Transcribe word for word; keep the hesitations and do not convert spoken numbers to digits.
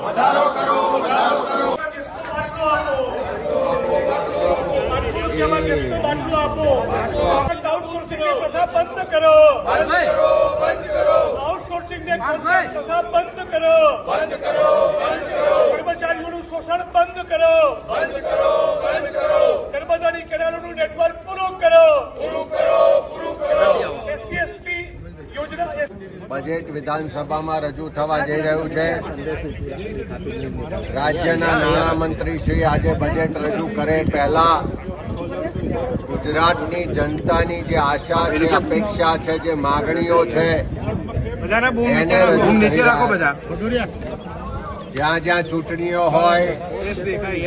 વધારો કરો વધારો કરો પાંચસો રૂપિયામાં ગેસનો બાટલો આપો. આઉટસોર્સિંગની પ્રથા બંધ કરો. બંધ કરો બંધ કરો આઉટસોર્સિંગની પ્રથા બંધ કરો. બંધ કરો બંધ કરો કર્મચારીઓનું શોષણ બંધ કરો. બંધ કરો બંધ કરો નર્મદાની કેનાલોનું નેટવર્ક પૂરું કરો. પૂરું કરો પૂરું કરો એસસી એસટી યોજના બજેટ વિધાનસભામાં રજૂ થવા જઈ રહ્યું છે. રાજ્યના નાણામંત્રી શ્રી આજે બજેટ રજૂ કરે પહેલા ગુજરાતની જનતાની જે આશા છે, અપેક્ષા છે, જે માગણીઓ છે એને રજૂ કરી રહ્યા છે. જ્યાં જ્યાં ચૂંટણીઓ હોય